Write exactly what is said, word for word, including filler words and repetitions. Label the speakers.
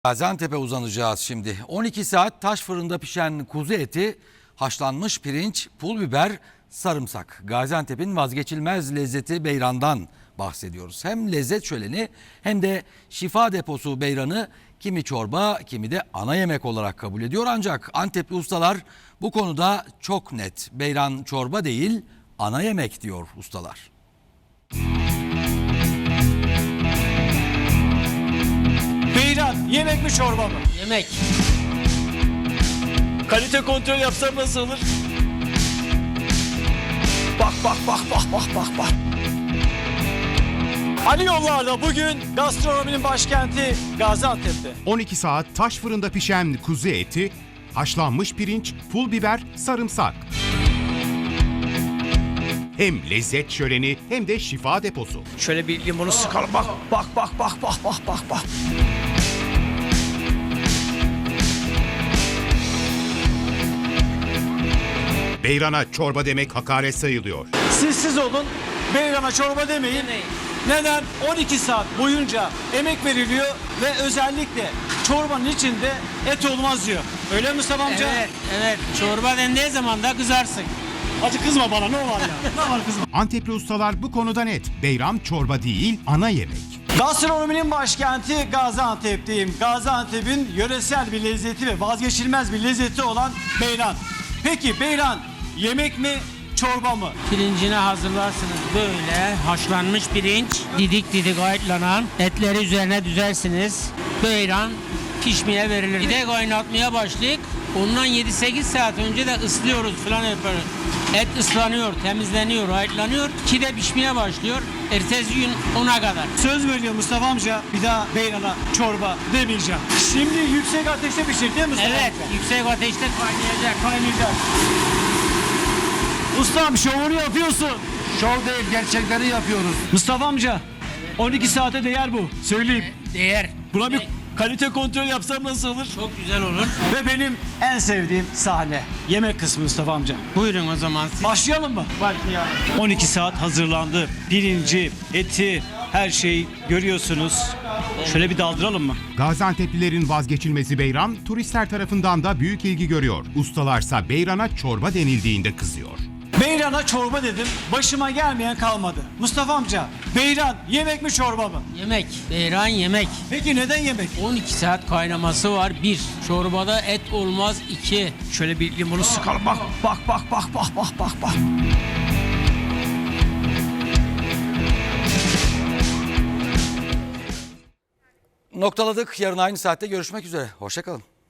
Speaker 1: Gaziantep'e uzanacağız şimdi. on iki saat taş fırında pişen kuzu eti, haşlanmış pirinç, pul biber, sarımsak. Gaziantep'in vazgeçilmez lezzeti beyrandan bahsediyoruz. Hem lezzet şöleni hem de şifa deposu beyranı kimi çorba kimi de ana yemek olarak kabul ediyor. Ancak Antepli ustalar bu konuda çok net. Beyran çorba değil, ana yemek diyor ustalar.
Speaker 2: Beyran yemek mi çorba mı?
Speaker 3: Yemek.
Speaker 2: Kalite kontrol yapsam nasıl olur? Bak bak bak bak bak bak bak. Ali Yollar'da bugün gastronominin başkenti Gaziantep'te.
Speaker 4: on iki saat taş fırında pişen kuzu eti, haşlanmış pirinç, pul biber, sarımsak. Hem lezzet şöleni hem de şifa deposu.
Speaker 2: Şöyle bir limonu sıkalım bak bak bak bak bak bak bak bak.
Speaker 4: Beyrana çorba demek hakaret sayılıyor.
Speaker 2: Siz siz olun, beyrana çorba demeyin.
Speaker 3: Demeyin.
Speaker 2: Neden? on iki saat boyunca emek veriliyor ve özellikle çorbanın içinde et olmaz diyor. Öyle mi Mustafa amca?
Speaker 3: Evet, evet. Çorba dendiği zaman da kızarsın.
Speaker 2: Hacı kızma bana, ne var ya? Ne var kızma?
Speaker 4: Antepli ustalar bu konuda net. Beyran çorba değil, ana yemek.
Speaker 2: Gastronominin başkenti Gaziantep'teyim. Gaziantep'in yöresel bir lezzeti ve vazgeçilmez bir lezzeti olan beyran. Peki beyran yemek mi, çorba mı?
Speaker 3: Pirincini hazırlarsınız böyle. Haşlanmış pirinç, didik didik ayıtlanan. Etleri üzerine düzersiniz. Beyran pişmeye verilir. Bir de kaynatmaya başlayıp ondan yedi sekiz saat önce de ıslıyoruz falan yaparız. Et ıslanıyor, temizleniyor, ayıtlanıyor. İki de pişmeye başlıyor. Ertesi gün ona kadar.
Speaker 2: Söz veriyor Mustafa amca, bir daha beyrana çorba demeyeceğim. Şimdi yüksek ateşte pişir değil mi Mustafa
Speaker 3: Evet,
Speaker 2: amca?
Speaker 3: yüksek ateşte kaynayacak.
Speaker 2: Kaynayacak. Ustam şovunu yapıyorsun.
Speaker 5: Şov değil, gerçekleri yapıyoruz.
Speaker 2: Mustafa amca, on iki saate değer bu. Söyleyeyim.
Speaker 3: Değer.
Speaker 2: Buna bir kalite kontrol yapsam nasıl olur?
Speaker 3: Çok güzel olur.
Speaker 2: Ve benim en sevdiğim sahne. Yemek kısmı Mustafa amca.
Speaker 3: Buyurun o zaman siz.
Speaker 2: Başlayalım mı?
Speaker 3: Başlayalım.
Speaker 2: on iki saat hazırlandı. Pirinci, eti, her şeyi görüyorsunuz. Şöyle bir daldıralım mı?
Speaker 4: Gaziantep'lilerin vazgeçilmezi beyran, turistler tarafından da büyük ilgi görüyor. Ustalarsa beyrana çorba denildiğinde kızıyor.
Speaker 2: Beyrana çorba dedim. Başıma gelmeyen kalmadı. Mustafa amca, beyran yemek mi çorba mı?
Speaker 3: Yemek. Beyran yemek.
Speaker 2: Peki neden yemek?
Speaker 3: on iki saat kaynaması var. Bir. Çorbada et olmaz. İki.
Speaker 2: Şöyle bir limonu sıkalım. Bak bak bak bak bak bak bak bak.
Speaker 1: Noktaladık. Yarın aynı saatte görüşmek üzere. Hoşça kalın.